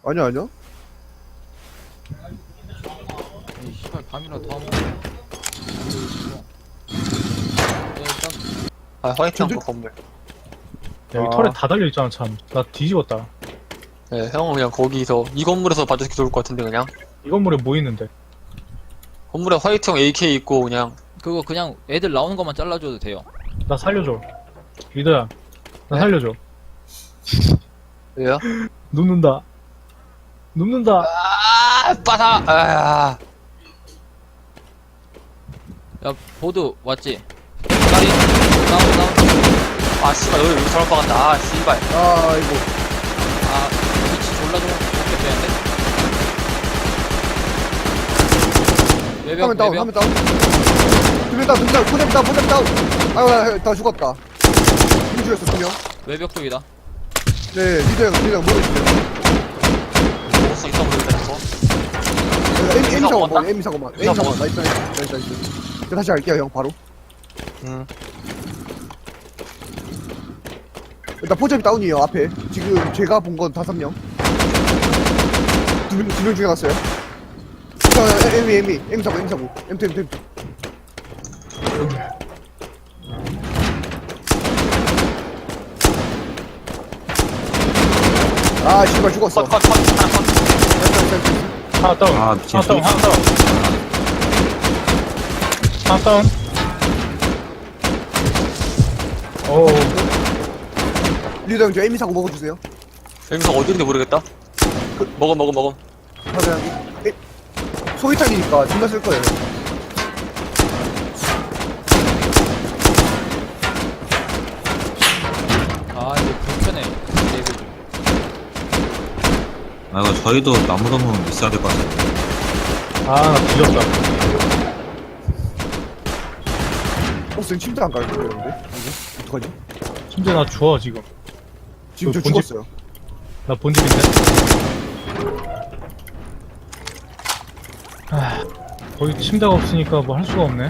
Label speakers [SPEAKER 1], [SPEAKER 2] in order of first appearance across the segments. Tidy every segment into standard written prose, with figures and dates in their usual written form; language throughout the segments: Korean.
[SPEAKER 1] 아니야, 아니야.
[SPEAKER 2] 이 씨발 밤이라 다 먹어. 일단
[SPEAKER 3] 아, 화이팅
[SPEAKER 1] 전쟁-
[SPEAKER 3] 한거 건물.
[SPEAKER 4] 야, 여기
[SPEAKER 1] 아.
[SPEAKER 4] 털에 다 달려있잖아, 참. 나 뒤집었다.
[SPEAKER 3] 네, 형은 그냥 거기서, 이 건물에서 봐도 좋을 것 같은데, 그냥.
[SPEAKER 4] 이 건물에 뭐 있는데?
[SPEAKER 3] 건물에 화이트형 AK 있고, 그냥.
[SPEAKER 2] 그거 그냥 애들 나오는 것만 잘라줘도 돼요.
[SPEAKER 4] 나 살려줘. 리더야, 나
[SPEAKER 3] 네?
[SPEAKER 4] 살려줘.
[SPEAKER 3] 왜요?
[SPEAKER 4] 눕는다. 눕는다.
[SPEAKER 3] 아, 빠사! 아,
[SPEAKER 2] 야 보드 왔지? 다리 다운.
[SPEAKER 3] 아, 씨발, 여기 잘못 박았다. 아, 씨발.
[SPEAKER 1] 아, 이거.
[SPEAKER 2] 아 위치 졸라 좋게 되는데. 외벽
[SPEAKER 1] 화면 다운,
[SPEAKER 2] 외벽.
[SPEAKER 1] 화면 다운. 두명 다운, 두명 다운, 포잡 다운, 포잡 다운. 아유, 다 죽었다. 누구 죽였어, 2명?
[SPEAKER 2] 외벽 쪽이다.
[SPEAKER 1] 네, 리더형 모르겠어요.
[SPEAKER 3] 먹었어, 있어 보이는데, 저거.
[SPEAKER 1] M
[SPEAKER 3] 이상
[SPEAKER 1] 사고만,
[SPEAKER 3] 먹었나?
[SPEAKER 1] M 사고만.
[SPEAKER 3] 이상
[SPEAKER 1] M 사고만.
[SPEAKER 3] 먹었어.
[SPEAKER 1] 나이스. 제가 다시 갈게요, 형, 바로. 일단 포잡이 다운이에요, 앞에. 지금 제가 본 건 5명. 두 명 죽여놨어요. 자, M 사고. M2. 아, 씨발, 죽었어.
[SPEAKER 3] 컷, 하나 컷.
[SPEAKER 1] 나이스.
[SPEAKER 4] 하나 다운.
[SPEAKER 5] 아, 미친.
[SPEAKER 4] 하나 다운, 하나 다운. 하나 다운. 오,
[SPEAKER 1] 리더 형, 저 M 사고 먹어주세요.
[SPEAKER 3] 여기서 어디인지 모르겠다. 먹어.
[SPEAKER 1] 사장님. 소위탄이니까 존나 쓸 거예요.
[SPEAKER 2] 아 이거 불편해. 레벨.
[SPEAKER 5] 아, 이거 저희도 나무 너무 있어야 될 것 같아요.
[SPEAKER 4] 아, 나 뒤졌다.
[SPEAKER 1] 보스는 침대 안 갈고 그러는데? 어떡하지?
[SPEAKER 4] 심지어 나 주워, 지금.
[SPEAKER 1] 지금 저
[SPEAKER 4] 그 본집-
[SPEAKER 1] 죽었어요.
[SPEAKER 4] 나 본집인데? 아, 거기 침대가 없으니까 뭐 할 수가 없네.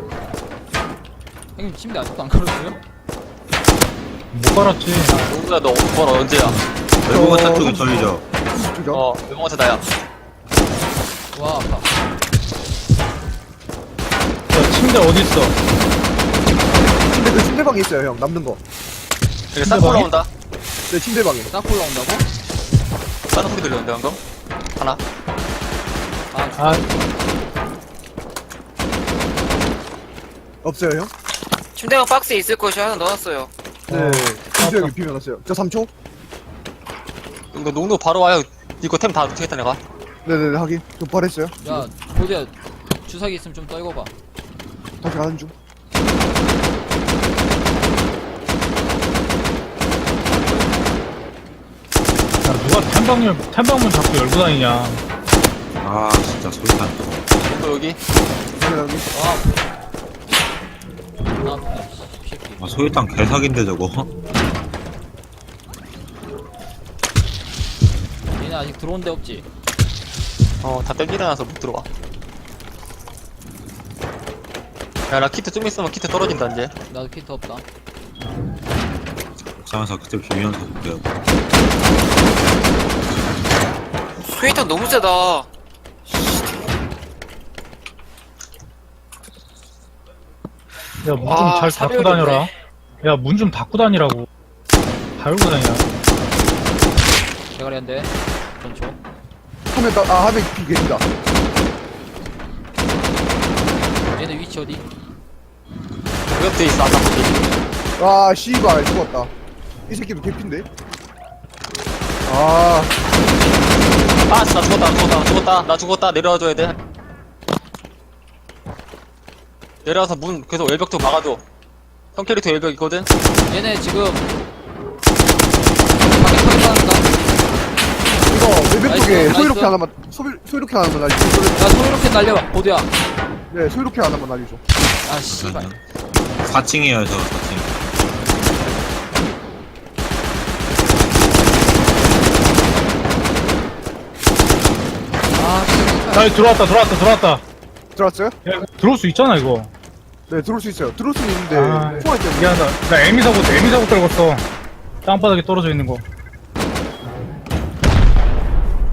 [SPEAKER 2] 형님 침대 아직도 안 걸었어요?
[SPEAKER 4] 못 갈았지.
[SPEAKER 3] 누구야, 너 그건 언제야?
[SPEAKER 5] 외국어
[SPEAKER 1] 저-
[SPEAKER 5] 쪽이 저희죠.
[SPEAKER 1] 죽죠?
[SPEAKER 3] 외국어사 나야.
[SPEAKER 2] 와 아파.
[SPEAKER 4] 야, 침대 어딨어?
[SPEAKER 1] 침대 그 침대방에 있어요, 형. 남는 거.
[SPEAKER 3] 여기 싹
[SPEAKER 4] 방에?
[SPEAKER 3] 올라온다.
[SPEAKER 1] 네, 침대방에.
[SPEAKER 2] 딱 올라온다고?
[SPEAKER 3] 다른 소리 들렸는데, 방금? 하나.
[SPEAKER 4] 아,
[SPEAKER 1] 없어요, 형?
[SPEAKER 6] 침대방 박스에 있을 것이 하나 넣었어요.
[SPEAKER 1] 네. 침대 형이 비벼놨어요. 저 3초?
[SPEAKER 3] 이거 농도 바로 와요. 이거 템 다 어떻게 했다, 내가?
[SPEAKER 1] 네네네, 하긴. 좀 버렸어요.
[SPEAKER 2] 야 보드야 주사기 있으면 좀 떨궈봐.
[SPEAKER 1] 다시 가는 중.
[SPEAKER 4] 야, 누가 탐방문 자꾸 열고 다니냐.
[SPEAKER 5] 아, 진짜 소리탄.
[SPEAKER 3] 농도 여기.
[SPEAKER 1] 여기.
[SPEAKER 2] 나 아프네. 이 새끼.
[SPEAKER 5] 아, 소리탄 개사기인데, 저거.
[SPEAKER 2] 얘네 아직 들어온 데 없지?
[SPEAKER 3] 다 땡기려놔서 못 들어와. 야, 나 키트 좀 있으면 키트 떨어진다, 이제.
[SPEAKER 2] 나도 키트 없다.
[SPEAKER 5] 옥상에서 그때 비면서 볼게요.
[SPEAKER 6] 스웨이터 너무 세다.
[SPEAKER 4] 야, 문 좀
[SPEAKER 6] 아,
[SPEAKER 4] 잘 닫고
[SPEAKER 6] 사별이네.
[SPEAKER 4] 다녀라. 야, 문 좀 닫고 다니라고. 다 열고 다니냐.
[SPEAKER 2] 대가리 한 대. 전초.
[SPEAKER 1] 화면 비 계신다.
[SPEAKER 2] 얘네 위치 어디?
[SPEAKER 3] 그 옆에 있어, 아까 거기.
[SPEAKER 1] 아, 씨발, 죽었다. 이 새끼도 개핀데? 아,
[SPEAKER 3] 아, 나 죽었다. 내려와줘야 돼. 내려와서 문, 계속 외벽 좀 막아줘. 형 캐릭터 외벽 있거든?
[SPEAKER 2] 얘네 지금 밖에 타겠다.
[SPEAKER 1] 이거 외벽 쪽에
[SPEAKER 2] 나이스.
[SPEAKER 1] 소이로케 하나만, 소이로케 하나만 날려줘.
[SPEAKER 2] 야 소이로켓 날려. 보드야.
[SPEAKER 1] 네, 소이로케 하나만 날려줘.
[SPEAKER 2] 아 씨발.
[SPEAKER 5] 4층이에요, 저 4층.
[SPEAKER 2] 아 씨발.
[SPEAKER 4] 나 들어왔다.
[SPEAKER 1] 들어왔어요?
[SPEAKER 4] 야, 이거 들어올 수 있잖아, 이거.
[SPEAKER 1] 네, 들어올 수 있어요. 들어올 수는 있는데,
[SPEAKER 4] 아,
[SPEAKER 1] 총알 때문에.
[SPEAKER 4] 미안하다. 나 에미사고 떨궜어. 땅바닥에 떨어져 있는 거.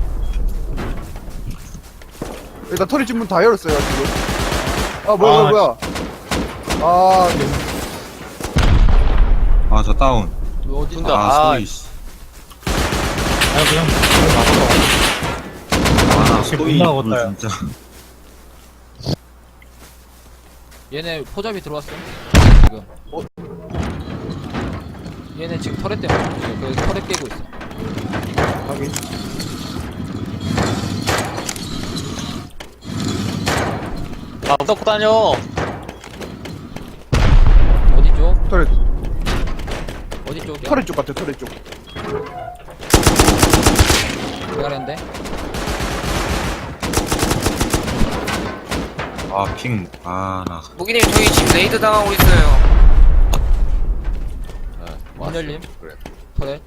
[SPEAKER 1] 일단 터렛 집 문 다 열었어요 지금. 아 뭐야 뭐야. 아
[SPEAKER 5] 아, 저 다운.
[SPEAKER 2] 어디
[SPEAKER 3] 쏜다.
[SPEAKER 5] 아,
[SPEAKER 3] 아,
[SPEAKER 5] 소리, 씨.
[SPEAKER 4] 아, 그냥,
[SPEAKER 5] 아, 나
[SPEAKER 4] 지금
[SPEAKER 5] 소리,
[SPEAKER 4] 못 나가겠다, 야.
[SPEAKER 5] 진짜.
[SPEAKER 2] 얘네 포잡이 들어왔어 지금. 얘네 지금 터렛 때문에 지금 그 터렛 깨고 있어.
[SPEAKER 1] 확인.
[SPEAKER 3] 아, 덮고 다녀.
[SPEAKER 2] 어디 쪽?
[SPEAKER 1] 터렛
[SPEAKER 2] 어디 쪽이야?
[SPEAKER 1] 터렛 쪽 같아 터렛 쪽.
[SPEAKER 2] 대가리인데?
[SPEAKER 5] 아, 핑. 아, 나.
[SPEAKER 6] 무기님 저희 지금 레이드 당하고 있어요.
[SPEAKER 2] 문 열림. 터렛.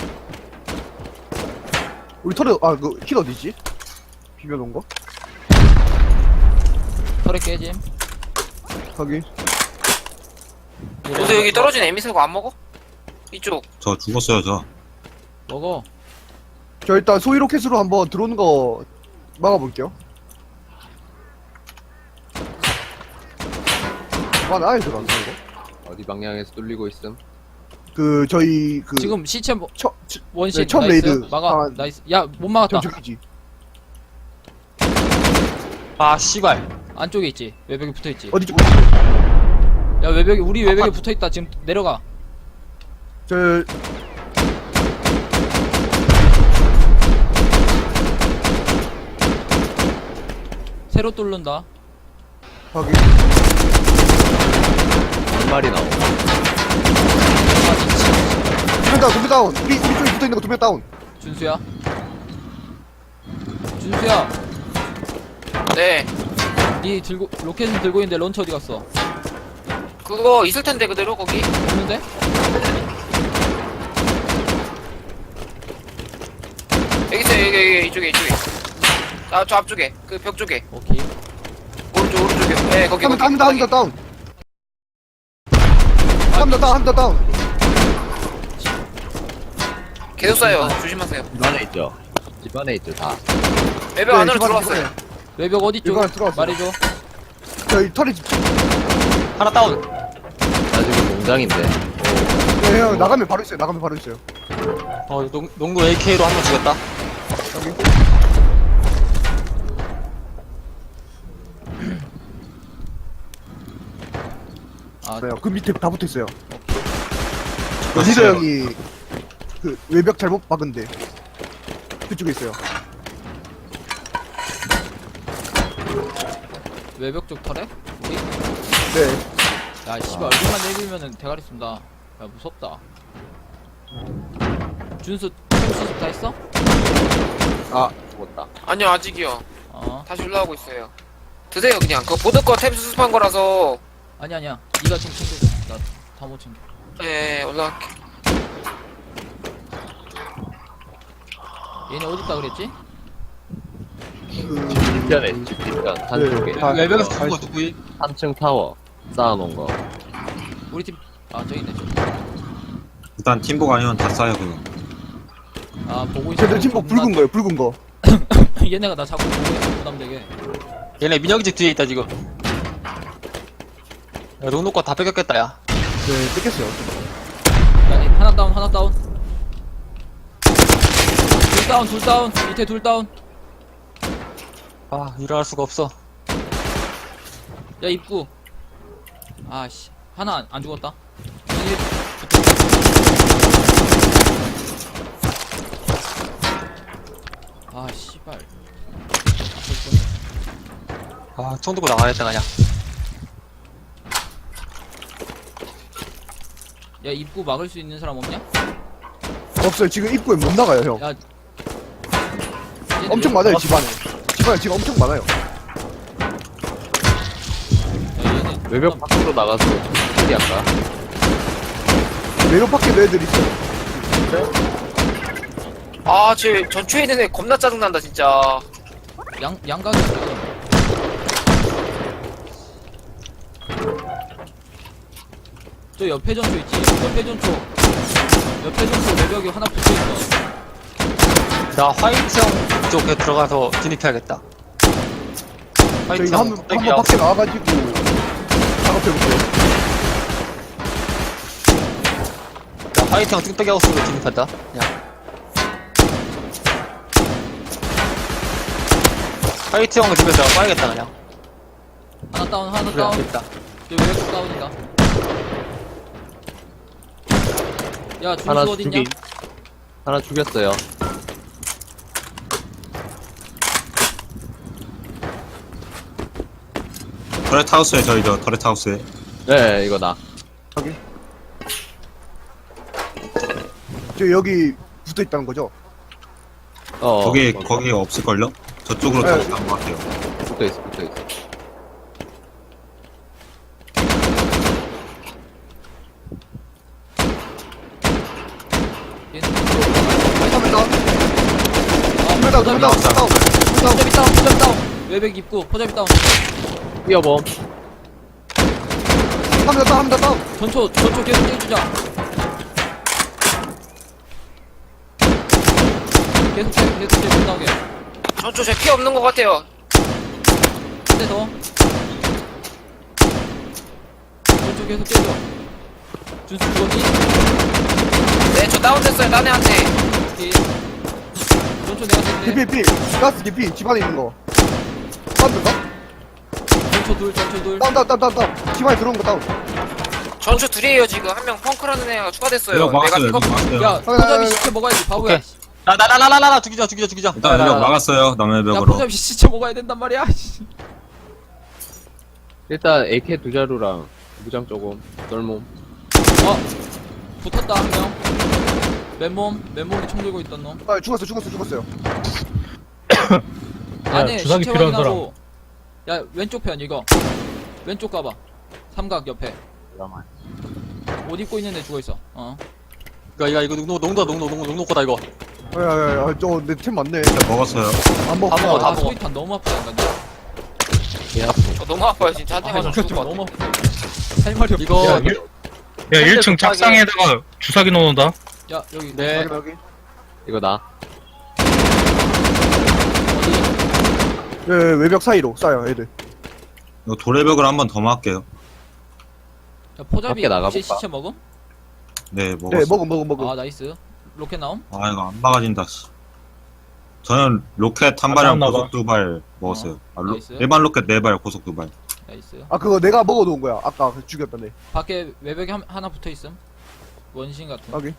[SPEAKER 1] 우리 터렛 힐 어디지? 비벼놓은 거?
[SPEAKER 2] 터렛 깨짐.
[SPEAKER 1] 확인.
[SPEAKER 6] 너도 여기 떨어진 에미사고 안 먹어? 이쪽.
[SPEAKER 5] 저 죽었어요, 저.
[SPEAKER 2] 먹어.
[SPEAKER 1] 저 일단 소위 로켓으로 한번 들어오는 거 막아볼게요. 아예 들어왔어 이거.
[SPEAKER 7] 어디 방향에서 뚫리고 있음?
[SPEAKER 1] 그 저희 그
[SPEAKER 2] 지금 시체 원신
[SPEAKER 1] 네, 처음
[SPEAKER 2] 나이스.
[SPEAKER 1] 레이드.
[SPEAKER 2] 막아.
[SPEAKER 1] 아,
[SPEAKER 2] 나이스. 야, 못 막았다.
[SPEAKER 1] 저기지.
[SPEAKER 3] 아, 씨발.
[SPEAKER 2] 안쪽에 있지. 외벽에 붙어 있지.
[SPEAKER 1] 어디 쪽?
[SPEAKER 2] 야, 외벽에 우리 외벽에 붙어 있다. 지금 내려가.
[SPEAKER 1] 저
[SPEAKER 2] 새로 뚫는다.
[SPEAKER 1] 확인.
[SPEAKER 7] 한 마리 나오.
[SPEAKER 1] 두명 다운. 우리 쪽에 붙어 있는 거 두 명 다운.
[SPEAKER 2] 준수야. 준수야.
[SPEAKER 6] 네.
[SPEAKER 2] 니 들고 로켓은 들고 있는데 런처 어디 갔어?
[SPEAKER 6] 그거 있을 텐데 그대로 거기.
[SPEAKER 2] 없는데?
[SPEAKER 6] 여기 있어요. 여기 이쪽에. 아, 저 앞쪽에. 그 벽 쪽에.
[SPEAKER 2] 오케이.
[SPEAKER 6] 오른쪽에. 네, 거기.
[SPEAKER 1] 한명 다운. 한 명 다운.
[SPEAKER 6] 계속 쏴요. 조심하세요.
[SPEAKER 7] 집 안에 있죠? 집 안에 있죠, 다.
[SPEAKER 6] 외벽 안으로 들어왔어요.
[SPEAKER 2] 외벽 어디 쪽?
[SPEAKER 1] 이번에 들어왔어.
[SPEAKER 2] 말해줘.
[SPEAKER 1] 저희 터렛 집.
[SPEAKER 3] 하나 다운.
[SPEAKER 7] 나 지금 농장인데.
[SPEAKER 1] 네, 형 나가면 바로 있어요.
[SPEAKER 3] 어, 농구 AK로 한 명 죽였다.
[SPEAKER 2] 아,
[SPEAKER 1] 그래요. 그 밑에 다 붙어 있어요.
[SPEAKER 5] 저
[SPEAKER 1] 리더
[SPEAKER 5] 진짜
[SPEAKER 1] 형이 그 외벽 잘못 박은데 그쪽에 있어요.
[SPEAKER 2] 외벽 쪽 털에? 우리?
[SPEAKER 1] 네.
[SPEAKER 2] 야, 씨발 얼굴만 내밀면은 대가리 쏜다. 야, 무섭다. 준수 수습 다 했어?
[SPEAKER 7] 아, 죽었다.
[SPEAKER 6] 아니요, 아직이요.
[SPEAKER 2] 어.
[SPEAKER 6] 다시 올라오고 있어요. 드세요, 그냥. 그거 보드 거템 수습한 거라서.
[SPEAKER 2] 아니야. 네가 좀 챙겨. 나 다 못 챙겨.
[SPEAKER 6] 네, 올라갈게.
[SPEAKER 2] 얘네 어디 있다 그랬지?
[SPEAKER 1] 그
[SPEAKER 7] 뒤편에, 집 뒤편. 한쪽에.
[SPEAKER 1] 아,
[SPEAKER 3] 외벽에서
[SPEAKER 1] 아,
[SPEAKER 3] 죽은 거 누구이?
[SPEAKER 7] 3층 타워. 쌓아놓은 거.
[SPEAKER 2] 우리 팀. 아, 저기 있네. 저기.
[SPEAKER 5] 일단 팀복 아니면 다 싸요, 그거.
[SPEAKER 2] 아, 보고 있어.
[SPEAKER 1] 쟤들 팀복 붉은 거예요. 붉은 거.
[SPEAKER 2] 얘네가 나 자꾸 보고 있어. 부담되게.
[SPEAKER 3] 얘네 민혁이 집 뒤에 있다, 지금. 야, 농구 거다 뺏겼겠다, 야.
[SPEAKER 1] 네, 뺏겼어요.
[SPEAKER 2] 야, 하나 다운. 둘 다운. 밑에 둘 다운.
[SPEAKER 3] 아, 일어날 수가 없어.
[SPEAKER 2] 야, 입구. 아씨. 하나 안 죽었다. 아, 씨발.
[SPEAKER 3] 아, 총 들고 나가야겠다, 그냥.
[SPEAKER 2] 야, 입구 막을 수 있는 사람 없냐?
[SPEAKER 1] 없어요. 지금 입구에 못 나가요, 형.
[SPEAKER 2] 야.
[SPEAKER 1] 엄청 많아요, 집안에. 집안에 지금 엄청 많아요.
[SPEAKER 2] 야, 얘네
[SPEAKER 7] 외벽 밖으로 나가서 소리 할까?
[SPEAKER 1] 외벽 밖에도 애들 있어요.
[SPEAKER 6] 아, 쟤 전초에 있는 애 겁나 짜증난다, 진짜.
[SPEAKER 2] 양각이 지금. 저 옆에 전초 있지? 옆에 전초 외벽이 하나 붙어있어.
[SPEAKER 3] 나 화이트형 쪽에 들어가서 진입해야겠다.
[SPEAKER 1] 저희
[SPEAKER 3] 화이팅
[SPEAKER 1] 한번
[SPEAKER 3] 뚝배기야.
[SPEAKER 1] 밖에 나와가지고 작업해볼게요.
[SPEAKER 3] 야, 화이팅 뚝배기 하고 쓰면 진입한다. 야. 화이팅 형 집에서 내가 빠야겠다, 그냥.
[SPEAKER 2] 하나 다운, 하나
[SPEAKER 3] 그래,
[SPEAKER 2] 다운.
[SPEAKER 3] 됐다.
[SPEAKER 2] 여기 외벽 다운이다. 야,
[SPEAKER 7] 하나
[SPEAKER 2] 준수 어딨냐?
[SPEAKER 7] 죽이. 하나 죽였어요.
[SPEAKER 5] 터렛 하우스에 저희죠. 터렛 하우스에.
[SPEAKER 7] 네, 이거 나.
[SPEAKER 1] 저 여기 붙어 있다는 거죠?
[SPEAKER 5] 거기
[SPEAKER 7] 뭐,
[SPEAKER 5] 거기 없을걸요? 저쪽으로
[SPEAKER 1] 네.
[SPEAKER 5] 타고 간것 같아요.
[SPEAKER 7] 붙어 있어, 붙어 있어.
[SPEAKER 2] 얘는
[SPEAKER 1] 한번 다운.
[SPEAKER 2] 아,
[SPEAKER 1] 두명 다운, 두명 다운, 두명 다운.
[SPEAKER 2] 포잡이 다운, 포잡이 다운. 외벽 입구, 포잡이 다운.
[SPEAKER 7] 뛰어봄.
[SPEAKER 1] 한명 다운, 한명 다운.
[SPEAKER 2] 전초 계속 떼주자. 계속 못 나오게.
[SPEAKER 6] 전초 제 피 없는 것 같아요.
[SPEAKER 2] 한 대 더. 전초 계속 떼줘. 준수 죽었니?
[SPEAKER 6] 네, 저 다운됐어요. 딴 애한테.
[SPEAKER 2] 오케이. 전초 내가 뗐네.
[SPEAKER 1] 개피, 가스 개피, 집안에 있는 거. 다운인가?
[SPEAKER 2] 전초 둘.
[SPEAKER 1] 다운. 집안에 들어온 거 다운.
[SPEAKER 6] 전초 둘이에요, 지금. 한 명 펑크라는 애가 추가됐어요.
[SPEAKER 5] 여기 막았어요.
[SPEAKER 6] 내가
[SPEAKER 5] 여기 막았어요.
[SPEAKER 2] 야, 포잡이 시체 먹어야지, 바보야.
[SPEAKER 3] 오케이. 나, 죽이자.
[SPEAKER 5] 일단 여기 막았어요. 남의
[SPEAKER 2] 야,
[SPEAKER 5] 벽으로.
[SPEAKER 2] 포잡이 시체 먹어야 된단 말이야. 씨.
[SPEAKER 7] 일단 AK 두 자루랑 무장 조금. 널몸.
[SPEAKER 2] 붙었다, 한 명. 맨몸에 총 들고 있던 놈.
[SPEAKER 1] 아, 죽었어요.
[SPEAKER 2] 안에
[SPEAKER 4] 주사기
[SPEAKER 2] 시체
[SPEAKER 4] 필요한
[SPEAKER 2] 확인하고. 야, 왼쪽 편 이거. 왼쪽 가봐. 삼각 옆에. 옷 입고 있는 애 죽어있어.
[SPEAKER 3] 이거 농도다, 이거.
[SPEAKER 1] 야, 저 내 템 많네.
[SPEAKER 5] 일단 먹었어요.
[SPEAKER 1] 안 먹어.
[SPEAKER 3] 다 먹어, 다 먹어.
[SPEAKER 2] 소위탄 너무 아프다, 인간들.
[SPEAKER 6] 저 너무 아파요, 진짜. 한 대 맞으면 죽을 것 같아.
[SPEAKER 2] 너무 아프다. 할 말이 없어.
[SPEAKER 3] 이거,
[SPEAKER 4] 야, 1층 착상에다가 주사기 넣어놓는다.
[SPEAKER 2] 야, 여기.
[SPEAKER 3] 네.
[SPEAKER 1] 여기.
[SPEAKER 7] 이거 나.
[SPEAKER 2] 어디?
[SPEAKER 1] 예, 외벽 사이로 쏴요, 애들.
[SPEAKER 5] 이거 도래벽을 한 번 더 막을게요.
[SPEAKER 2] 야, 포잡이
[SPEAKER 7] 밖에 나가볼까?
[SPEAKER 2] 혹시 시체 먹음?
[SPEAKER 5] 네, 먹었어요.
[SPEAKER 1] 네, 먹음.
[SPEAKER 2] 아, 나이스. 로켓 나옴?
[SPEAKER 5] 아, 이거 안 막아진다, 씨. 저는 로켓 한 발이랑
[SPEAKER 4] 나왔나
[SPEAKER 5] 고속 두 발 먹었어요.
[SPEAKER 2] 나이스.
[SPEAKER 5] 일반 로켓 네 발, 고속 두 발.
[SPEAKER 2] 나이스.
[SPEAKER 1] 아, 그거 내가 먹어놓은 거야. 아까 그 죽였다네.
[SPEAKER 2] 밖에 외벽에 하나 붙어있음. 원신 같은.
[SPEAKER 1] 여기.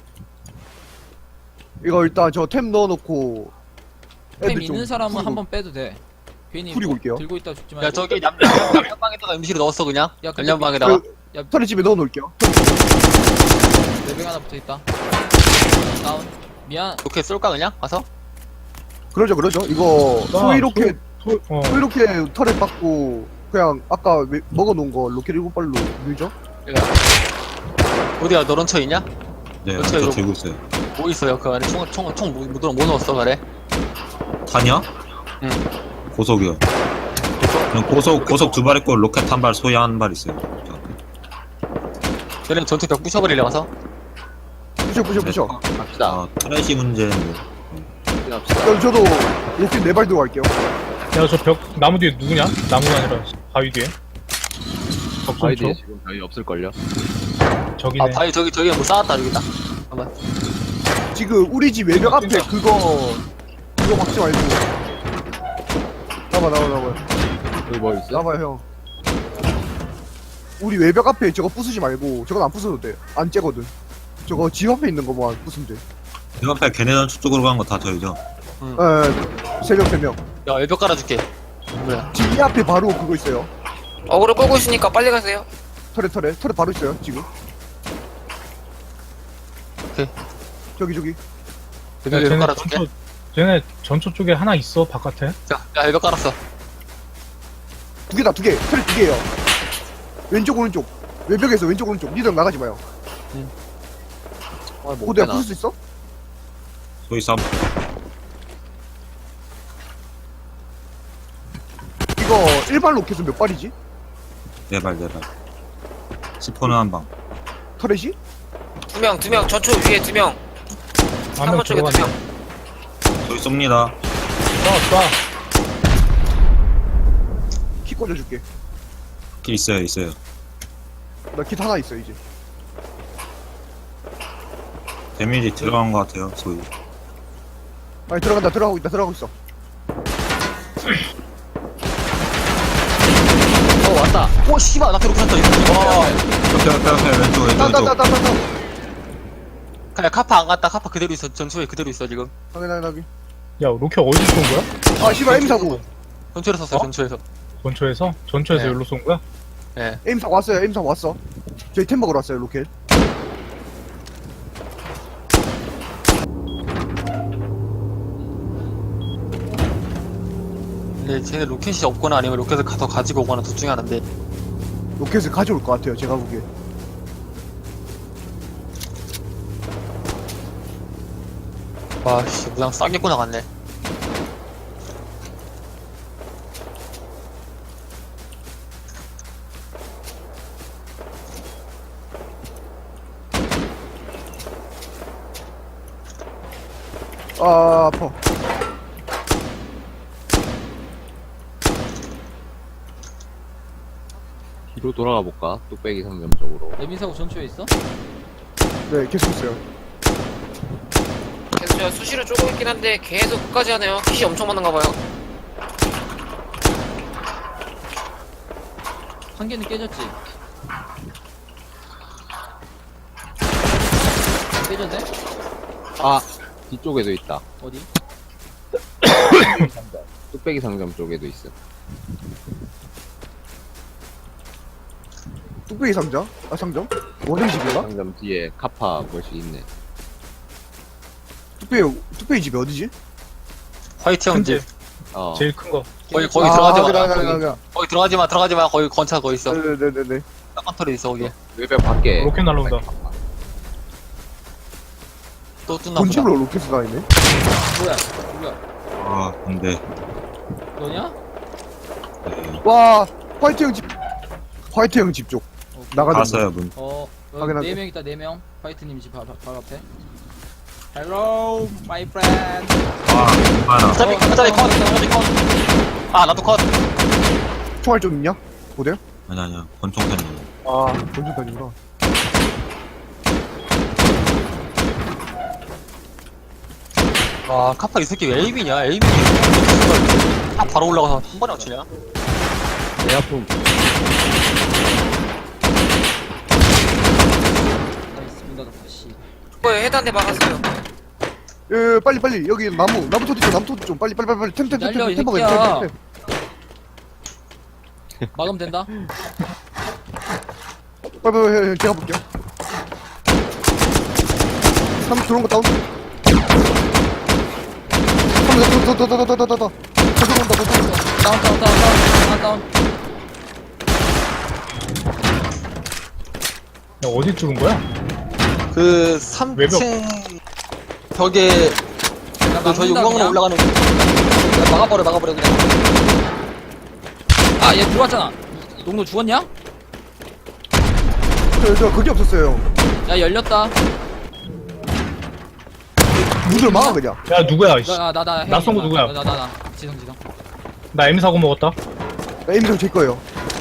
[SPEAKER 1] 이거 일단 저 템 넣어놓고.
[SPEAKER 2] 템
[SPEAKER 1] 애들 좀
[SPEAKER 2] 있는 사람은
[SPEAKER 1] 후리고-
[SPEAKER 2] 한번 빼도 돼. 괜히
[SPEAKER 1] 후리고
[SPEAKER 2] 뭐
[SPEAKER 1] 올게요.
[SPEAKER 2] 들고 있다 죽지 말고.
[SPEAKER 3] 야, 저기 남녀방에다가 음식을 넣었어, 그냥.
[SPEAKER 2] 야, 근데
[SPEAKER 3] 남녀방에다가.
[SPEAKER 1] 그, 털의 집에 넣어놓을게요.
[SPEAKER 2] 외벽 하나 붙어있다. 다운. 미안.
[SPEAKER 3] 로켓 쏠까, 그냥? 가서?
[SPEAKER 1] 그러죠. 이거 소위 로켓,
[SPEAKER 4] 어,
[SPEAKER 1] 소위 로켓 털에 받고 그냥 아까 먹어놓은 거 로켓 7발로 밀죠?
[SPEAKER 3] 어디야, 너 런처 있냐?
[SPEAKER 5] 네,
[SPEAKER 3] 어떻게
[SPEAKER 5] 저
[SPEAKER 3] 이거-
[SPEAKER 5] 들고 있어요.
[SPEAKER 3] 뭐 있어요, 그 안에 총 뭐 넣었어, 그래?
[SPEAKER 5] 탄이요?
[SPEAKER 3] 응.
[SPEAKER 5] 고속이요. 그냥 고속 두 발 있고 로켓 한 발, 소위 한 발 있어요.
[SPEAKER 3] 얘는 전투벽 부셔버리려 가서?
[SPEAKER 1] 부셔.
[SPEAKER 7] 갑시다.
[SPEAKER 5] 아, 트래시 문제인데.
[SPEAKER 7] 갑시다.
[SPEAKER 1] 그럼 저도 로켓 4발 들고 갈게요.
[SPEAKER 4] 야, 저 벽, 나무 뒤에 누구냐? 나무가 아니라 바위 뒤에.
[SPEAKER 7] 바위 뒤에
[SPEAKER 4] 적군초?
[SPEAKER 7] 지금 저희 없을걸요?
[SPEAKER 4] 저기네.
[SPEAKER 3] 아니, 저기에 뭐 쌓았다, 여기다. 잠깐만.
[SPEAKER 1] 지금 우리 집 외벽 앞에 그거 막지 말고. 나와.
[SPEAKER 7] 여기 뭐 있어?
[SPEAKER 1] 나와요, 형. 우리 외벽 앞에 저거 부수지 말고, 저건 안 부숴도 돼. 안 째거든. 저거 집 앞에 있는 거만 부수면 돼.
[SPEAKER 5] 그 앞에 걔네 전투 쪽으로 간 거 다 저희죠.
[SPEAKER 1] 에, 3명.
[SPEAKER 3] 야, 외벽 깔아줄게. 뭐야?
[SPEAKER 1] 지금 이 앞에 바로 그거 있어요.
[SPEAKER 6] 어그로 끌고 있으니까 빨리 가세요.
[SPEAKER 1] 털에 바로 있어요, 지금.
[SPEAKER 3] 오케이.
[SPEAKER 1] 저기.
[SPEAKER 4] 야,
[SPEAKER 3] 외벽 깔아줄게.
[SPEAKER 4] 쟤네 전초 쪽에 하나 있어, 바깥에.
[SPEAKER 3] 자, 야, 외벽 깔았어.
[SPEAKER 1] 두 개다, 털에 2개예요. 왼쪽, 오른쪽. 외벽에서 왼쪽, 오른쪽. 니들 나가지 마요.
[SPEAKER 7] 뭐
[SPEAKER 1] 그거 내가 부술 수 있어?
[SPEAKER 5] 소위 싸움.
[SPEAKER 1] 이거 일반 로켓은 몇 발이지?
[SPEAKER 5] 네 발. 10호는 한 방.
[SPEAKER 1] 터렛이?
[SPEAKER 6] 두 명. 전초 위에 2명.
[SPEAKER 4] 한명
[SPEAKER 6] 3번 쪽에
[SPEAKER 4] 들어갔네.
[SPEAKER 6] 2명.
[SPEAKER 5] 저희 쏩니다.
[SPEAKER 4] 쏴.
[SPEAKER 1] 꽂아줄게.
[SPEAKER 5] 길 있어요, 있어요.
[SPEAKER 1] 나 킷 하나 있어 이제.
[SPEAKER 5] 데미지 들어간 것 같아요, 소위.
[SPEAKER 1] 아니 들어간다. 들어가고 있다. 들어가고 있어.
[SPEAKER 3] 왔다. 오, 씨발, 나한테 로켓 떴다, 이거. 와.
[SPEAKER 5] 옆에, 왼쪽, 왼쪽.
[SPEAKER 1] 따따따따따.
[SPEAKER 3] 그냥 카파 안 갔다, 카파 그대로 있어. 전초에 그대로 있어, 지금.
[SPEAKER 1] 확인.
[SPEAKER 4] 야 로켓 어디서 쏜 거야?
[SPEAKER 1] 아 씨발 에임 사고.
[SPEAKER 3] 전초에서 쐈어요, 전초에서.
[SPEAKER 4] 전초에서? 전초에서
[SPEAKER 3] 네.
[SPEAKER 4] 여기로 쏜 거야?
[SPEAKER 3] 예.
[SPEAKER 1] 에임 사고 왔어요. 에임 사고 왔어. 저희 템 먹으러 왔어요 로켓.
[SPEAKER 3] 근데 쟤네 로켓이 없거나 아니면 로켓을 가서 가지고 오거나 둘 중에 하나인데.
[SPEAKER 1] 로켓을 가져올 것 같아요. 제가 보기에.
[SPEAKER 3] 와, 씨, 무장 싸겠고 나갔네.
[SPEAKER 1] 아 아파.
[SPEAKER 7] 뒤로 돌아가 볼까? 뚝배기 상점 쪽으로.
[SPEAKER 2] 레민사고 전초에 있어?
[SPEAKER 1] 네 계속 있어요.
[SPEAKER 6] 계속 제가 수시로 쪼고 있긴 한데 계속 끝까지 하네요. 킷이 엄청 많은가 봐요.
[SPEAKER 2] 한 개는 깨졌지? 깨졌네?
[SPEAKER 7] 아! 뒤쪽에도 있다.
[SPEAKER 2] 어디?
[SPEAKER 7] 뚝배기 상점 쪽에도 있어.
[SPEAKER 1] 뚝배기 상자? 아 상점? 원행 집인가?
[SPEAKER 7] 상점 뒤에 카파 멋이 있네.
[SPEAKER 1] 뚝배기 집이 어디지?
[SPEAKER 3] 화이트 형
[SPEAKER 4] 큰데
[SPEAKER 3] 집.
[SPEAKER 7] 어.
[SPEAKER 4] 제일 큰 거.
[SPEAKER 3] 거기 들어가지 마.
[SPEAKER 1] 그래.
[SPEAKER 3] 거기 들어가지 마. 거기 건차 거기 있어.
[SPEAKER 1] 네네네네.
[SPEAKER 3] 딱한 털이 있어, 거기.
[SPEAKER 7] 외벽 밖에.
[SPEAKER 4] 로켓 날라온다.
[SPEAKER 3] 또 뚫나 보다.
[SPEAKER 1] 본집으로 로켓을 다니네.
[SPEAKER 2] 뭐야?
[SPEAKER 5] 아, 근데.
[SPEAKER 2] 너냐?
[SPEAKER 5] 네.
[SPEAKER 1] 와 화이트 형 집. 화이트 형 집 쪽. 나가는
[SPEAKER 5] 갔어요, 문.
[SPEAKER 2] 여기
[SPEAKER 1] 확인하게.
[SPEAKER 2] 4명 있다, 4명. 화이트님 집 바로 앞에. Hello, my friend.
[SPEAKER 5] 아, 많아.
[SPEAKER 3] 짜리 컷. 아, 나도 컷.
[SPEAKER 1] 총알 좀 있냐? 보대요?
[SPEAKER 5] 아니야. 권총탄이.
[SPEAKER 1] 아 본집까지구나.
[SPEAKER 3] 와, 카파 이 새끼 왜 에이비냐? 에이비. 딱 바로 올라가서 한 번에 맞추냐?
[SPEAKER 7] 내 아픔.
[SPEAKER 2] 나이스, 문 닫았다, 씨.
[SPEAKER 6] 그거에 해단대 막았어요.
[SPEAKER 1] 예, 빨리 여기 나무 토지 좀 빨리 템
[SPEAKER 2] 날려, 이
[SPEAKER 1] 먹어야
[SPEAKER 2] 새끼야.
[SPEAKER 1] 돼.
[SPEAKER 2] 막으면 된다.
[SPEAKER 1] 빨리 제가 볼게요. 3 들어온 거 다운. 3 더. 들어온다.
[SPEAKER 2] 다운.
[SPEAKER 4] 야 어디 뚫은 거야?
[SPEAKER 3] 그
[SPEAKER 4] 외벽.
[SPEAKER 3] 3층 벽에
[SPEAKER 2] 야,
[SPEAKER 3] 그 저희
[SPEAKER 2] 막는다,
[SPEAKER 3] 용광으로
[SPEAKER 2] 그냥.
[SPEAKER 3] 올라가는 거. 막아버려 그냥.
[SPEAKER 2] 아, 얘 들어왔잖아. 농노 죽었냐?
[SPEAKER 1] 저 그게 없었어요.
[SPEAKER 2] 야, 열렸다.
[SPEAKER 1] 문을 막아 그냥.
[SPEAKER 4] 야 누구야? 이씨.
[SPEAKER 2] 나
[SPEAKER 4] 쏜거 누구야?
[SPEAKER 2] 나. 지성.
[SPEAKER 4] 나 M 사고 먹었다.
[SPEAKER 1] 에임성 제 거예요.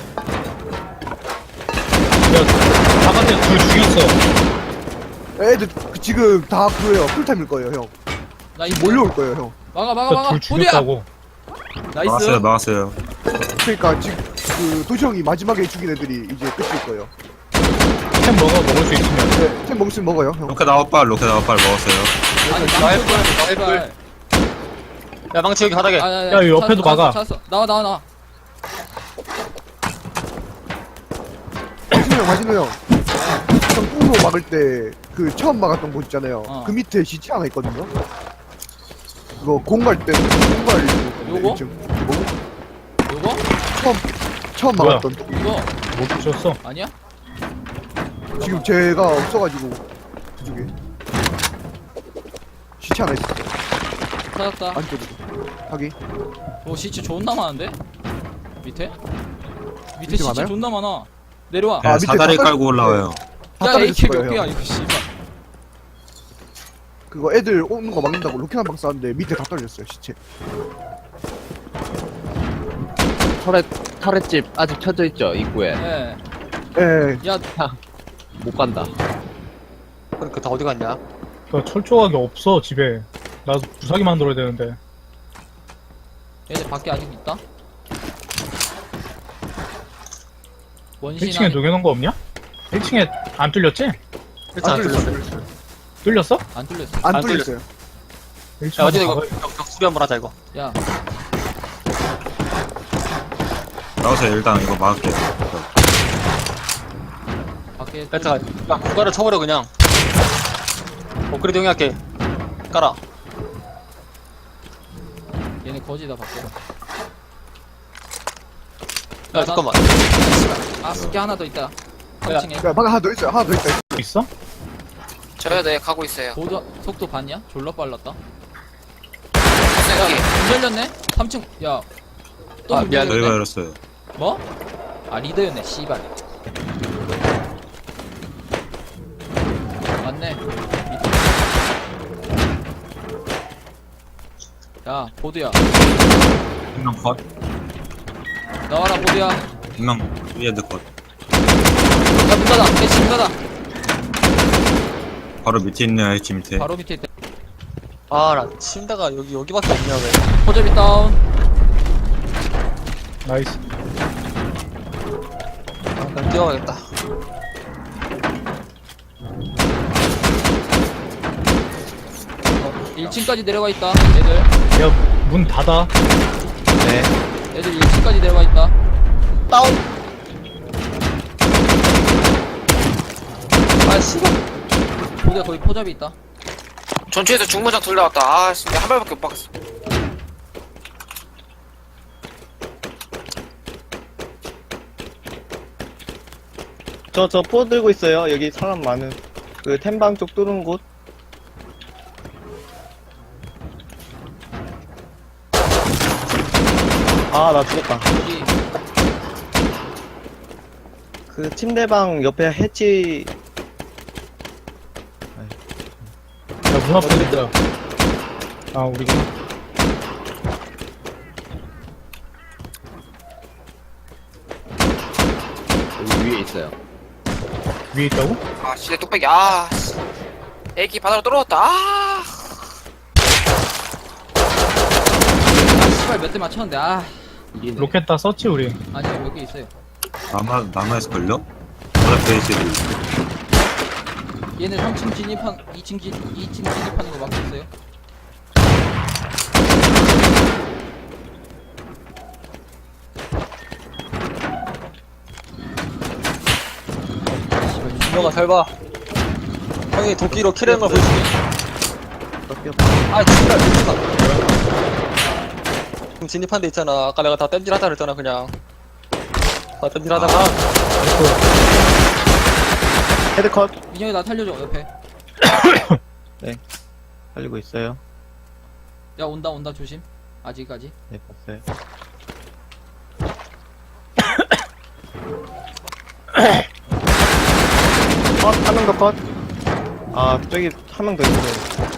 [SPEAKER 4] 야 바깥에 둘 죽였어.
[SPEAKER 1] 애들 지금 다 그거예요. 풀타임일 거예요 형.
[SPEAKER 2] 나 이
[SPEAKER 1] 몰려올 거예요 형.
[SPEAKER 2] 막아.
[SPEAKER 4] 둘 죽였다고.
[SPEAKER 2] 나이스.
[SPEAKER 5] 막았어요.
[SPEAKER 1] 그러니까 지금 그 도시형이 마지막에 죽인 애들이 이제 끝일 거예요.
[SPEAKER 4] 템 먹을 수 있으면.
[SPEAKER 1] 네, 템 먹으면 먹어요 형.
[SPEAKER 5] 로켓 아웃발 먹었어요.
[SPEAKER 2] 아니,
[SPEAKER 3] 나이스. 야, 망치 여기 바닥에.
[SPEAKER 2] 야,
[SPEAKER 4] 야, 옆에도 막아.
[SPEAKER 2] 찾았어. 나와.
[SPEAKER 1] 마진우 형. 형 뚱로 막을 때 그 처음 막았던 곳 있잖아요.
[SPEAKER 2] 어.
[SPEAKER 1] 그 밑에 시체 하나 있거든요. 그거 공갈 때 공갈
[SPEAKER 2] 요거? 요거?
[SPEAKER 1] 처음
[SPEAKER 4] 뭐야?
[SPEAKER 1] 막았던
[SPEAKER 2] 이거
[SPEAKER 4] 못 붙였어.
[SPEAKER 2] 아니야?
[SPEAKER 1] 지금 제가 없어가지고 그쪽에 시체 하나 있어.
[SPEAKER 2] 찾았다.
[SPEAKER 1] 안쪽으로 하기.
[SPEAKER 2] 오, 시체 존나 많은데? 밑에
[SPEAKER 1] 밑에
[SPEAKER 2] 시체
[SPEAKER 1] 많아요?
[SPEAKER 2] 존나 많아. 내려와.
[SPEAKER 1] 아,
[SPEAKER 5] 네,
[SPEAKER 1] 밑에
[SPEAKER 5] 사다리
[SPEAKER 1] 다
[SPEAKER 5] 깔고 올라와요.
[SPEAKER 1] 다
[SPEAKER 2] 야,
[SPEAKER 1] 떨어졌을
[SPEAKER 2] AK 몇
[SPEAKER 1] 거예요,
[SPEAKER 2] 개야
[SPEAKER 1] 형.
[SPEAKER 2] 이거 씨발.
[SPEAKER 1] 그거 애들 오는 거 막는다고 로켓 한 방 쐈는데 밑에 다 떨어졌어요 시체.
[SPEAKER 7] 터렛 터렛집 아직 켜져 있죠 입구에.
[SPEAKER 2] 예.
[SPEAKER 1] 예.
[SPEAKER 2] 야,
[SPEAKER 7] 못 간다.
[SPEAKER 3] 그러니까 다 어디 갔냐?
[SPEAKER 4] 그 철조각이 없어 집에. 나 부사기 만들어야 되는데.
[SPEAKER 2] 얘들 밖에 아직 있다? 원신
[SPEAKER 4] 1층에 녹여놓은 거 없냐? 1층에 안 뚫렸지?
[SPEAKER 3] 일단 안 뚫렸어.
[SPEAKER 4] 뚫렸어?
[SPEAKER 2] 안 뚫렸어.
[SPEAKER 1] 안
[SPEAKER 3] 안
[SPEAKER 1] 뚫렸어요.
[SPEAKER 4] 1층
[SPEAKER 3] 야, 어제 이거
[SPEAKER 4] 가봐야-
[SPEAKER 3] 수리 한번 하자, 이거.
[SPEAKER 2] 야,
[SPEAKER 5] 나와서 일단 이거 막을게요.
[SPEAKER 2] 밖에
[SPEAKER 3] 야, 공간을 쳐버려, 그냥. 업그레이드 용이할게. 깔아.
[SPEAKER 2] 얘네 거지다 밖에.
[SPEAKER 3] 야, 잠깐만.
[SPEAKER 2] 아, 습기 하나 더 있다.
[SPEAKER 3] 야.
[SPEAKER 2] 3층에.
[SPEAKER 1] 야, 방금 하나 더 있어요. 하나 더 있다.
[SPEAKER 4] 있어?
[SPEAKER 6] 저요, 네, 가고 있어요.
[SPEAKER 2] 속도 봤냐? 졸라 빨랐다.
[SPEAKER 6] 여기.
[SPEAKER 2] 문 열렸네? 3층, 야. 또
[SPEAKER 3] 아,
[SPEAKER 2] 문
[SPEAKER 3] 미안해.
[SPEAKER 5] 저희가
[SPEAKER 2] 열렸네?
[SPEAKER 5] 열었어요.
[SPEAKER 2] 뭐? 아, 리더였네, 씨발. 맞네. 밑에. 야, 보드야.
[SPEAKER 5] 한명 컷.
[SPEAKER 2] 나와라, 보드야.
[SPEAKER 5] 한명 위에드 컷.
[SPEAKER 2] 야, 문 닫아. 대치 문 닫아.
[SPEAKER 5] 바로 밑에 있네요, H 밑에.
[SPEAKER 2] 바로 밑에 있다.
[SPEAKER 3] 아, 나 침대가 여기밖에 없냐, 왜.
[SPEAKER 2] 포접이 다운.
[SPEAKER 4] 나이스.
[SPEAKER 3] 아, 그냥 뛰어가겠다.
[SPEAKER 2] 1층까지 내려가 있다. 얘들.
[SPEAKER 4] 야 문 닫아.
[SPEAKER 2] 얘들 1층까지 내려가 있다.
[SPEAKER 3] 아, 씨발.
[SPEAKER 2] 보드야, 거기 포접이 있다.
[SPEAKER 6] 전투에서 중무장 둘 나왔다. 아, 씨, 한 발밖에 못 박았어.
[SPEAKER 8] 저 포 들고 있어요. 여기 사람 많은 그 템방 쪽 뚫은 곳. 아, 나 죽었다.
[SPEAKER 2] 여기.
[SPEAKER 8] 그 침대방 옆에 해치.
[SPEAKER 4] 야 문 앞에 있다. 아 우리구나.
[SPEAKER 7] 여기 위에 있어요.
[SPEAKER 4] 위에 있다고?
[SPEAKER 6] 아, 진짜 뚝배기. 아, 씨. AK 바다로 떨어졌다. 아.
[SPEAKER 2] 아, 씨발 몇 대 맞췄는데, 아.
[SPEAKER 7] 이기네.
[SPEAKER 4] 로켓 다 썼지 우리.
[SPEAKER 2] 아니요, 몇 개 있어요.
[SPEAKER 5] 남아있을걸요? 바로 베이스
[SPEAKER 2] 얘네 3층 진입한, 2층 진입하는 거 막고 있어요.
[SPEAKER 3] 준영아, 잘 봐. 형이 도끼로 킬하는 걸 보여줄게. 아, 진짜, 진짜. 지금 진입한 데 있잖아. 아까 내가 다 땜질 하자 그랬잖아, 그냥. 다 땜질 하다가.
[SPEAKER 8] 헤드컷.
[SPEAKER 2] 민영이 나 살려줘, 옆에.
[SPEAKER 8] 살리고 있어요.
[SPEAKER 2] 야, 온다, 조심. 아직까지.
[SPEAKER 8] 네, 봤어요. 컷, 한 명 더 컷. 아, 저기 한 명 더 있어요.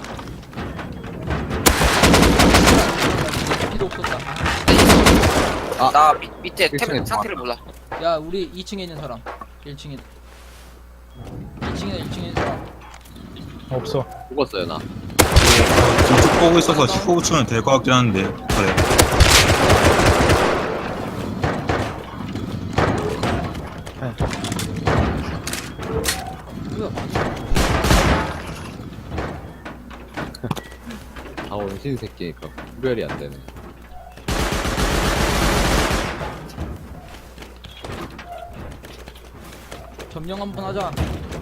[SPEAKER 2] 필요 없었다.
[SPEAKER 6] 나 밑에 템
[SPEAKER 7] 1층에
[SPEAKER 6] 상태를 몰라.
[SPEAKER 2] 야, 우리 2층에 있는 사람. 1층에. 2층에 있는 사람.
[SPEAKER 4] 없어.
[SPEAKER 7] 죽었어요 나.
[SPEAKER 5] 쭉 보고 있어서 15층은 될 것 같긴 한데. 그래.
[SPEAKER 2] 뭐야,
[SPEAKER 7] 아 원신 새끼니까 구별이 안 되네.
[SPEAKER 2] 점령 한번 하자.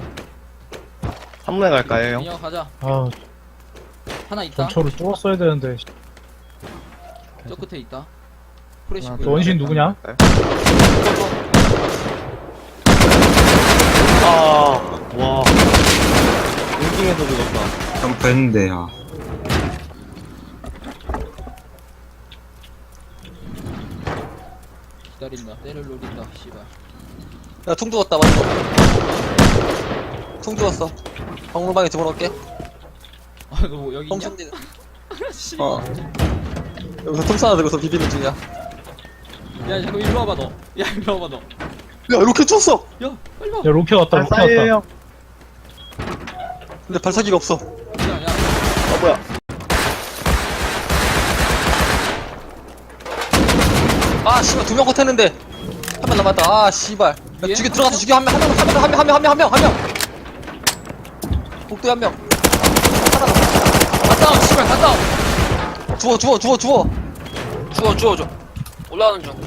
[SPEAKER 8] 3문에 갈까요, 형?
[SPEAKER 2] 민영 가자.
[SPEAKER 4] 아
[SPEAKER 2] 하나 있다.
[SPEAKER 4] 전초를 뚫었어야 되는데.
[SPEAKER 2] 저 끝에 있다. 프레시
[SPEAKER 8] 하나,
[SPEAKER 2] 보여.
[SPEAKER 4] 너 원신 누구냐?
[SPEAKER 8] 아, 와. 웅킹에서 죽었다.
[SPEAKER 5] 점프했는데, 아.
[SPEAKER 2] 기다린다. 때를 노린다. 씨발.
[SPEAKER 3] 야, 퉁 죽었다, 맞어. 퉁 죽었어. 박물방에 집어넣을게.
[SPEAKER 2] 아, 너 여기 있냐?
[SPEAKER 3] 어. 여기서 퉁 쏴 들고서 비비는 중이야.
[SPEAKER 2] 야 잠깐 일로 와봐 너. 야 일로 와봐 너.
[SPEAKER 3] 야, 이렇게 쳤어!
[SPEAKER 2] 야 빨리 와.
[SPEAKER 4] 야 로켓 왔다 로켓 왔다.
[SPEAKER 8] 발사예요.
[SPEAKER 3] 근데 발사기가 없어.
[SPEAKER 2] 야
[SPEAKER 8] 뭐야.
[SPEAKER 3] 아, 씨발, 2명 컷했는데. 한 명 남았다. 아, 씨발. 야,
[SPEAKER 2] 예?
[SPEAKER 3] 죽여, 들어가서 죽여. 한 명. 복도에 한 명.
[SPEAKER 2] 갔다 온 씨발 갔다 온.
[SPEAKER 3] 주워.
[SPEAKER 6] 주워 올라오는 중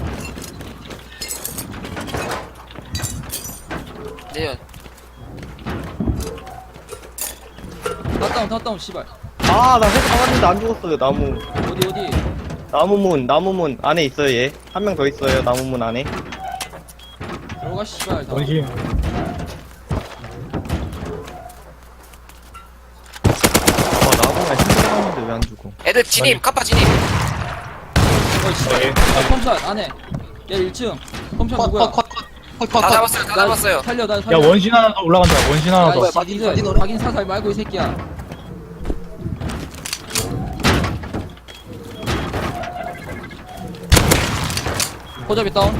[SPEAKER 6] 내연
[SPEAKER 2] 갔다 온 씨발.
[SPEAKER 8] 아, 나 회사 가봤는데 안 죽었어요, 나무.
[SPEAKER 2] 어디.
[SPEAKER 8] 나무문 안에 있어요, 얘. 한 명 더 있어요, 나무문 안에.
[SPEAKER 2] 들어가 씨발. 다.
[SPEAKER 4] 원심.
[SPEAKER 8] 나무가 힘들었는데 왜 안 죽어?
[SPEAKER 6] 애들 진입 카파 진입
[SPEAKER 2] 펌샷 안에. 야 1층. 펌샷 누구야?
[SPEAKER 6] 다 잡았어요 다 잡았어요
[SPEAKER 2] 살려 나
[SPEAKER 4] 야
[SPEAKER 2] 살려.
[SPEAKER 4] 원신 하나 더 올라간다. 원신 하나 더.
[SPEAKER 3] 뭐야,
[SPEAKER 2] 박인 사살 말고 이 새끼야. 호접이 다운.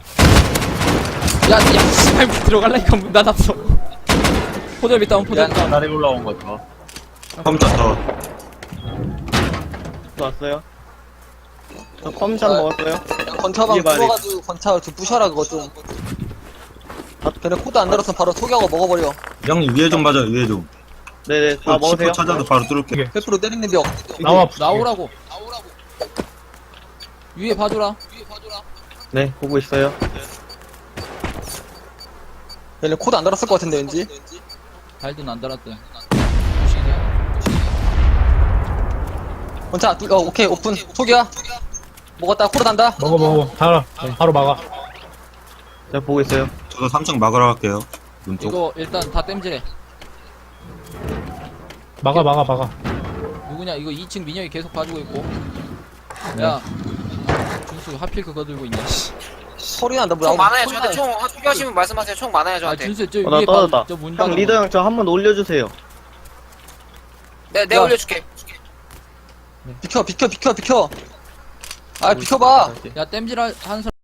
[SPEAKER 2] 야 씨발 문 들어갈라니까 문 닫았어. 호접이 다운.
[SPEAKER 7] 나래 올라온 거죠.
[SPEAKER 5] 컴퓨터 더.
[SPEAKER 8] 왔어요? 저 컴샷 먹었어요?
[SPEAKER 3] 건차방
[SPEAKER 8] 이게 말이-
[SPEAKER 3] 뚫어가지고 건차 좀 부셔라, 그거 좀. 걔네 코드 안 달았으면 바로 소개하고 먹어버려.
[SPEAKER 5] 형님 위에 좀 봐줘 위에 좀.
[SPEAKER 8] 네네, 다 먹으세요.
[SPEAKER 5] 치프 찾아도 바로 뚫을게.
[SPEAKER 3] 100% 때리는데 요
[SPEAKER 4] 나와.
[SPEAKER 2] 나오라고. 위에 봐줘라.
[SPEAKER 8] 네, 보고 있어요.
[SPEAKER 3] 얘네 코드 안 달았을 것 같은데, 왠지.
[SPEAKER 2] 발든 안 달았대.
[SPEAKER 3] 건차, 오케이, 오픈. 소개야. 먹었다, 코드 단다.
[SPEAKER 4] 먹어. 다 바로 막아.
[SPEAKER 8] 제가 보고 있어요.
[SPEAKER 5] 저도 3층 막으러 갈게요. 눈 쪽.
[SPEAKER 2] 이거 일단 다 땜질해.
[SPEAKER 4] 막아.
[SPEAKER 2] 누구냐? 이거 2층 민혁이 계속 봐주고 있고. 야, 준수 하필 그거 들고 있냐? 씨.
[SPEAKER 3] 소리 난다,
[SPEAKER 6] 총 많아요 저한테 총 필요하시면 말씀하세요 총 많아요
[SPEAKER 2] 아
[SPEAKER 6] 저한테
[SPEAKER 2] 준수 저
[SPEAKER 8] 나
[SPEAKER 2] 위에
[SPEAKER 8] 떨어졌다.
[SPEAKER 2] 저문
[SPEAKER 8] 형,
[SPEAKER 2] 닫아.
[SPEAKER 8] 리더 형, 저 한 번 올려주세요.
[SPEAKER 6] 내가 올려줄게
[SPEAKER 3] 비켜. 아, 비켜봐.
[SPEAKER 2] 야 땜질 하는 사람.